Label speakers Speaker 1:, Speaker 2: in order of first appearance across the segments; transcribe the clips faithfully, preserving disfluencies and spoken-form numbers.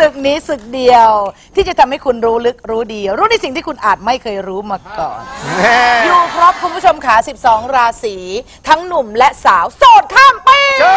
Speaker 1: ศึกนี้ศึกเดียวที่จะทำให้คุณรู้ลึกรู้ดีรู้ในสิ่งที่คุณอาจไม่เคยรู้มาก่อนอยู่ครบคุณผู้ชมขาสิบสองราศีทั้งหนุ่มและสาวโสดข้ามปี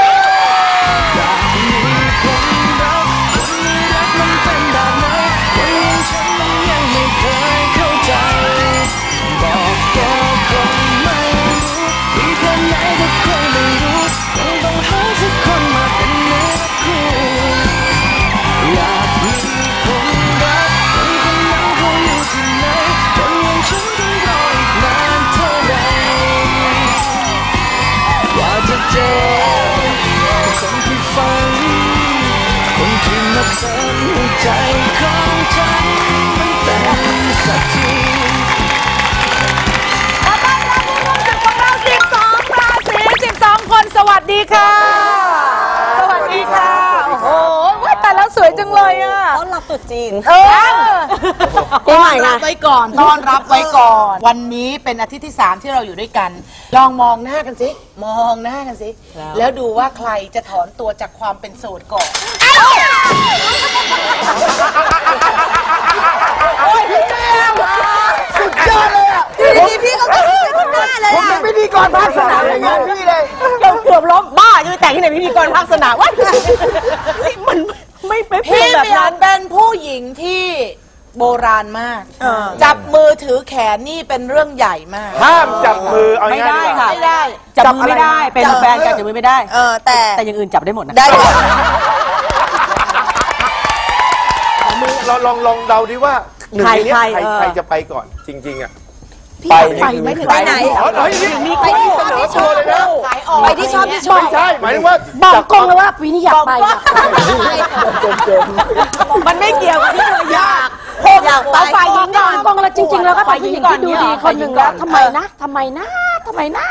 Speaker 2: ใจของฉันมันเป็นสักที
Speaker 1: ขอต้อนรับผู้ร่วมศึกของเราสิบสองราศีสิบสองคนสวัสดีค่ะสวัสดีค่ะโอ้โหว่าแต่แล้วสวยจังเลยอ่ะ
Speaker 3: ต้อนรับตุ๊จีน
Speaker 1: เออต้อนรับไว้ก่อนต้อนรับไว้ก่อนวันนี้เป็นอาทิตย์ที่สามที่เราอยู่ด้วยกันลองมองหน้ากันสิมองหน้ากันสิแล้วดูว่าใครจะถอนตัวจากความเป็นโสดก่อนโอ้ยพี่แก้วสุดยอดเลยอ่ะพี่พี่เขาเป็นหน้าเลยผมเป็นพิธีกรภาคสนามอย่างนี้พี่เลย
Speaker 3: เกือบเกือบล้มบ้าจะไปแต่งที่ไหนพิธีกรภาคสนามวะมันไม่เป็น
Speaker 1: พี่แบบนั้นเป็นผู้หญิงที่โบราณมากจับมือถือแขนนี่เป็นเรื่องใหญ่มาก
Speaker 4: ห้ามจับมือเอา
Speaker 3: ไม่ได้ค่ะ
Speaker 1: ไม่ได้
Speaker 3: จับมือไม่ได้เป็นแฟนกันจับมือไม่ได้
Speaker 1: เออแต่
Speaker 3: แต่อย่างอื่นจับได้หมดนะ
Speaker 1: ได้
Speaker 4: เราลองลองเดาดิว่าหนึ่งในนี้ใครใครจะไปก่อนจริงๆอ่ะ
Speaker 1: ไปไปไม่ถึงไปไหน
Speaker 4: อ๋อหน่อย
Speaker 1: มีไปที่เสนอตัวเลยนะไปที่ชอบที่ชอบ
Speaker 4: ไม่ใช่หมายถึงว่า
Speaker 3: บอกกงเลยว่าปีนี้อยากไปมันไม่เกี่ยวกับที่เราอยาก
Speaker 1: อยากไป
Speaker 3: ฝ่ายหญิงก่อนกงแล้วจริงๆแล้วก็ฝ่ายหญิงที่ดูดีคนหนึ่งแล้วทำไมนะทำไมนะทำไมนะ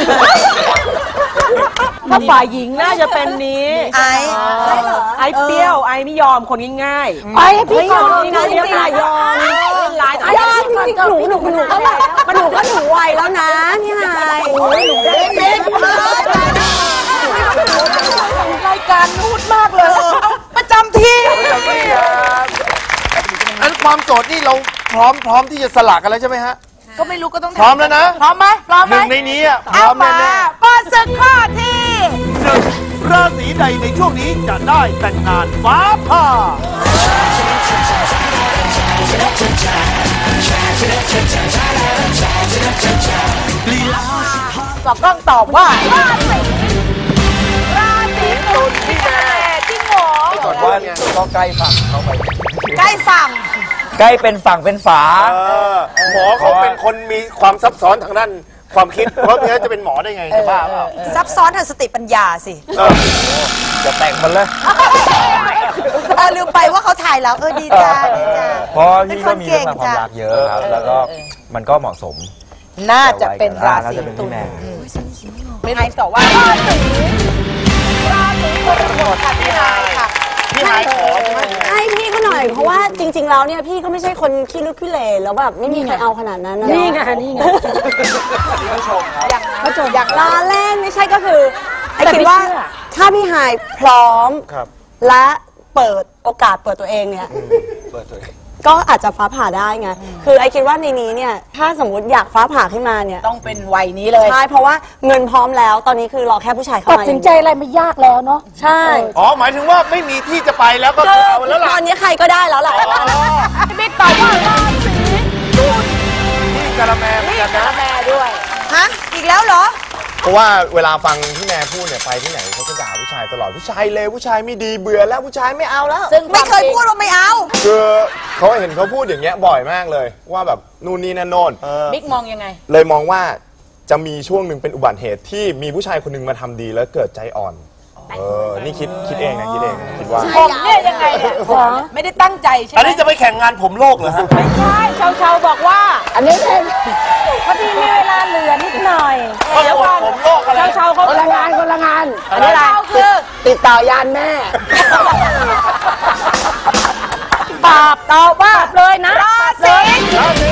Speaker 3: ถ้าฝ่ายหญิงน่าจะเป็นนี้
Speaker 1: ไอ้
Speaker 3: ไอ้เปรี้ยวไอ้ไม่ยอมคนง่าย
Speaker 1: ๆไอ้พี่ยอม
Speaker 3: นี่เรียกนายยอม
Speaker 1: ลายยอมจริงๆหนูหนูหนูก็มันหนูก็หนูไวแล้วนะพี่นายหนูเด็กรายการนูดมากเลยประจำที่
Speaker 4: อันความโสดนี่เราพร้อมพร้อมที่จะสละกันแล้วใช่ไหมฮะ
Speaker 1: ก็ไม่รู้ก็ต้อง
Speaker 4: พร้อมแล้วนะ
Speaker 1: พร้อมไหมพร้อมไหม
Speaker 4: หนึ่งในนี้อ่ะพร้อมแน่
Speaker 1: ๆเปิดศึกข้อที่
Speaker 4: หนึ่งราศีใดในช่วงนี้จะได้แต่งงานฟ้าผ่า
Speaker 1: สอบต้องตอบว่าราศีราศีตุลพี่แม่จริงเหรอ
Speaker 4: ก่อนว่าเนี่ยก็ใกล้ฝั่งเขาไป
Speaker 1: ใกล้ฝั่ง
Speaker 5: ใกล้เป็นฝั่งเป็นฝา
Speaker 4: หมอเขาเป็นคนมีความซับซ้อนทางด้านความคิดเพราะงั้นจะเป็นหมอได้ไงจะบ้าเปล่า
Speaker 1: ซับซ้อนทางสติปัญญาสิ
Speaker 5: จะแต่งมันเลย
Speaker 1: เออลืมไปว่าเขาถ่ายแล้วเออดีจ้าดีจ้า
Speaker 5: เพราะพี่ก็มีเรื่องความรักเยอะครับแล้วก็มันก็เหมาะสม
Speaker 1: น่าจะเป็นราศีตุลไม่ได้ตอบว่าราศีราศีกรกฎค่ะพี่นายค่ะ
Speaker 4: พี่นายขอใช่ไหม
Speaker 3: ให้พี่เขาหน่อยเพราะว่าจริงๆแล้วเนี่ยพี่ก็ไม่ใช่คนขี้ลึกขี้เหร่แล้วแบบไม่มีใครเอาขนาดนั้นนะนี่ไงนี่ไง
Speaker 4: ผู้ชมครับ
Speaker 1: อย่างผู้ชมอย่าง
Speaker 3: ล้อเล่นไม่ใช่ก็คือไอ้คิดว่าถ้าพี่หายพร้อมและเปิดโอกาสเปิดตัวเองเนี่ย
Speaker 4: เปิดตัวเอง
Speaker 3: ก็อาจจะฟ้าผ่าได้ไงคือไอคิดว่าในนี้เนี่ยถ้าสมมติอยากฟ้าผ่าขึ้นมาเนี่ย
Speaker 1: ต้องเป็นวัยนี้เลย
Speaker 3: ใช่เพราะว่าเงินพร้อมแล้วตอนนี้คือรอแค่ผู้ชายเข้ามาตัดสินใจอะไรไม่ยากแล้วเนาะใช่
Speaker 4: อ๋อหมายถึงว่าไม่มีที่จะไปแล้วก็เอาแล้วล่ะ
Speaker 3: ตอนนี้ใครก็ได้แล้วแหละ
Speaker 1: บิ๊กตอบว่าราศีตุล
Speaker 4: นี่กะละแมเหมือนกันนะ
Speaker 1: กะละแมด้วยฮะอีกแล้วเหรอ
Speaker 4: เพราะว่าเวลาฟังพี่แม่พูดเนี่ยไปที่ไหนเขาจะด่าผู้ชายตลอดผู้ชายเลวผู้ชายไม่ดีเบื่อแล้วผู้ชายไม่เอาแล้ว
Speaker 1: ซึ่งไม่เคยพูดว่าไม่เอา
Speaker 4: คือเขาเห็นเขาพูดอย่างเงี้ยบ่อยมากเลยว่าแบบนู่นนี่นั่นโน่น
Speaker 1: บิ๊กมองยังไง
Speaker 4: เลยมองว่าจะมีช่วงหนึ่งเป็นอุบัติเหตุที่มีผู้ชายคนหนึ่งมาทำดีแล้วเกิดใจอ่อนเออนี่คิดคิดเองนะคิดเองคิดว่า
Speaker 1: ผมเนี่ยยังไงเนี่ยไม่ได้ตั้งใจใช่ไหม
Speaker 4: อันนี้จะไปแข่งงานผมโลกเหรอฮะ
Speaker 1: ไม่ใช่ชาวชาวบอกว่าอันนี้เป็นพอดีมีเวลาเหลือนิดหน่อย
Speaker 4: เดี๋ยวก่อนผมโลกอะไร
Speaker 1: ชาวชาวเขา
Speaker 3: คนละงานคนละงาน
Speaker 1: อันนี้เราคือ
Speaker 3: ติดต่อยานแม่
Speaker 1: ตอบตอบว่าเลยนะราศี
Speaker 4: ราศี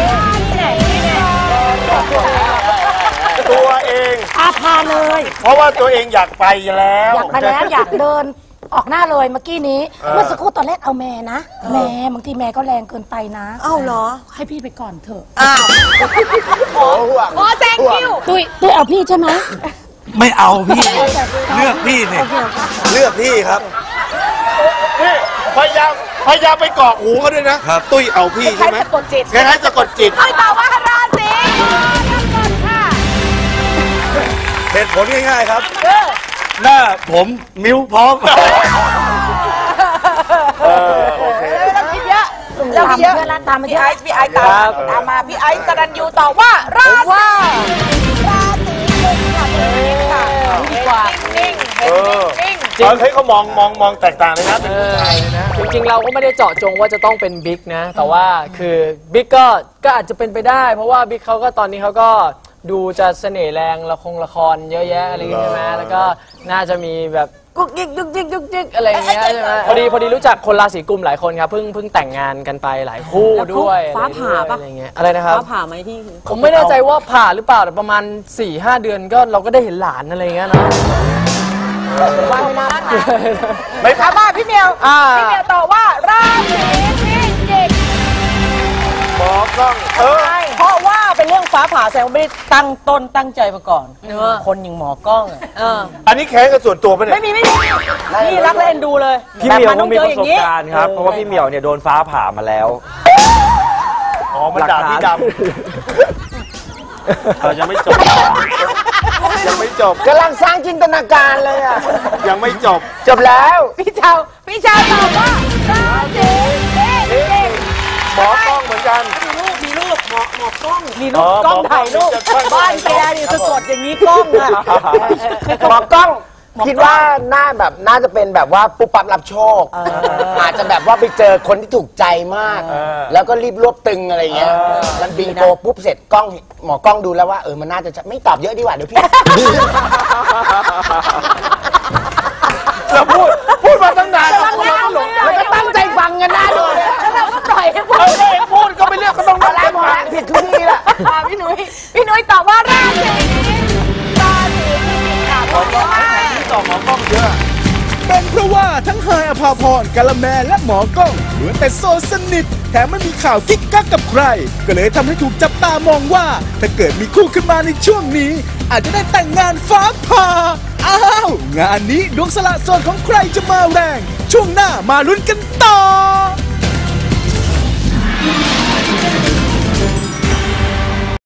Speaker 4: ตัวเอง
Speaker 3: อาพาเลย
Speaker 4: เพราะว่าตัวเองอยากไปแล้ว
Speaker 3: อยากไปแล้วอยากเดิน
Speaker 6: ออกหน้าเลยเมื่อกี้นี้เมื่อสักครู่ตอนแรกเอาแม่นะแม่บางทีแม่ก็แรงเกินไปนะ
Speaker 3: อ้าวเหรอ
Speaker 6: ให้พี่ไปก่อนเถอะ
Speaker 3: อ้าว
Speaker 1: ขอแซงคิว
Speaker 6: ตุ้ยตุ้ยเอาพี่ใช่ไหม
Speaker 2: ไม่เอาพี่ เลือกพี่เนี่ยเลือกพี่ครับ
Speaker 7: นี่พยายามพยายามไปเกาะหูเขาด้วยนะ ตุ้ยเอาพี่ใช่ไหม
Speaker 1: สะกดจิต
Speaker 7: คล้ายๆสะกดจิต
Speaker 1: ตุ้ยตอบว่าราศีกรกฎค่ะ
Speaker 2: เหตุผลง่ายๆครับ หน้าผมมิ้วพร้อม
Speaker 1: เราคิดเยอะเราคิดเยอะ
Speaker 6: ตามมาเย
Speaker 1: พี่
Speaker 6: อะ
Speaker 1: ไอซ์พี่ไอซ์ตามตามมาพี่ไอซ์สรัญยูตอบว่าราศีราศีกุมค่ะค่ะดีกว่านิ่งๆเห็นนิ่งๆ
Speaker 7: จริงเฮ้ยเขามองมองมองแตกต่างเลยนะเป็นผู้ชายเลยนะ
Speaker 8: จริงๆเราก็ไม่ได้เจาะจงว่าจะต้องเป็นบิ๊กนะ แต่ว่าคือบิ๊กก็ก็อาจจะเป็นไปได้ เพราะว่าบิ๊กเขาก็ตอนนี้เขาก็ดูจะเสน่ห์แรงละครละครเยอะแยะอะไรอย่างเงี้ยใช่ไหมแล้วก็น่าจะมีแบบกุ๊กยิกยุกยิกยุกยิกอะไรอย่างเงี้ยใช่ไหมพอดีพอดีรู้จักคนราศีกุมหลายคนครับเพิ่งเพิ่งแต่งงานกันไปหลายคู่ด้วย
Speaker 3: ฟ้าผ่าปะ
Speaker 8: อะไรอย่างเงี้ยอะไรนะครับ
Speaker 3: ฟ้าผ่าไหมที่
Speaker 8: ผมไม่แน่ใจว่าผ่าหรือเปล่าแต่ประมาณ สี่ห้า เดือนก็เราก็ได้เห็นหลานอะไรอย่างเงี้ยเนาะ
Speaker 1: ว่าไม่น่าผ่านไม่ผ่านมาพี่เมียวพี่เมียวตอบว่าราศีพิจิก
Speaker 7: หมอกล้องเออ
Speaker 9: เพราะว่าเป็นเรื่องฟ้าผ่าแสดงว่าไม่ได้ตั้งต้นตั้งใจมาก่อน คนอย่างหมอกล้องอะ
Speaker 7: อันนี้แค้นกันส่วนตัวปะเนี่ย
Speaker 9: ไม่มีไม่มีนี่รักและเอ็นดูเลย
Speaker 5: พี่เหมียว
Speaker 9: แต่น
Speaker 5: ต้
Speaker 9: ต้
Speaker 5: อ
Speaker 9: อง ง
Speaker 5: มี
Speaker 9: เจอ
Speaker 5: ประ
Speaker 9: อย่า
Speaker 5: ส
Speaker 9: ง
Speaker 5: บ
Speaker 9: นี้
Speaker 5: การณ์ครับ เพราะว่าพี่เหมียวเนี่ยโดนฟ้าผ่ามาแล้ว
Speaker 7: อ๋อ มันด่าพี่ดำเรายังไม่จบ ยังไม่จบ
Speaker 1: กำลังสร้างจินตนาการเลยอ่ะ
Speaker 7: ยังไม่จบ
Speaker 1: จบแล้ว พี่เจ้าพี่เจ้าตอบว่าราศีพิจิก
Speaker 7: หมอกล้องเหมือนกัน
Speaker 9: มีรูปหมอหมอกล้องมี
Speaker 7: อ๋
Speaker 9: รู
Speaker 7: อ
Speaker 9: ปกล้อง
Speaker 7: หมอกล้อง
Speaker 9: ถ่ายรูป
Speaker 7: มีจะช่วย
Speaker 9: บ้านแกนี่สะกดอย่างนี้กล้องอะ
Speaker 1: หมอกล้อง คิดว่าหน้าแบบน่าจะเป็นแบบว่าปุ๊บปั๊บรับโชค อาจจะแบบว่าไปเจอคนที่ถูกใจมาก แล้วก็รีบรวบตึงอะไรเงี้ย มันบิงโกปุ๊บเสร็จกล้องหมอกล้องดูแล้วว่าเออมันน่าจะไม่ตอบเยอะดีกว่าเดี๋ยวพี่
Speaker 7: เราพูด พูดมาตั้งนาน
Speaker 1: แล้วก็ตั้งใจฟังกันได้เลยแล้วเราก็ปล่อยให้พูด
Speaker 7: เออเองพูดก็ไปเรียกก็ต้อง
Speaker 1: มาแล้วมาแล้วผิดทุกทีแหละพี่หนุ่ยพี่หนุ่ยตอบว่าราศีราศีพิจิกค่ะเพราะว่า
Speaker 7: ที่ต่อหมอกล้องเยอะ
Speaker 10: เป็นเพราะว่าทั้งไฮายอภาพรกาละแมและหมอกล้องเหมือนแต่โซสนิทแถมไม่มีข่าวกิ๊กกักกับใคร ก็เลยทำให้ถูกจับตามองว่า ถ้าเกิดมีคู่ขึ้นมาในช่วงนี้ อาจจะได้แต่งงานฟ้าผ่าอ้าว งานนี้ดวงสละโสดของใครจะมาแรง ช่วงหน้ามาลุ้นกันต่อ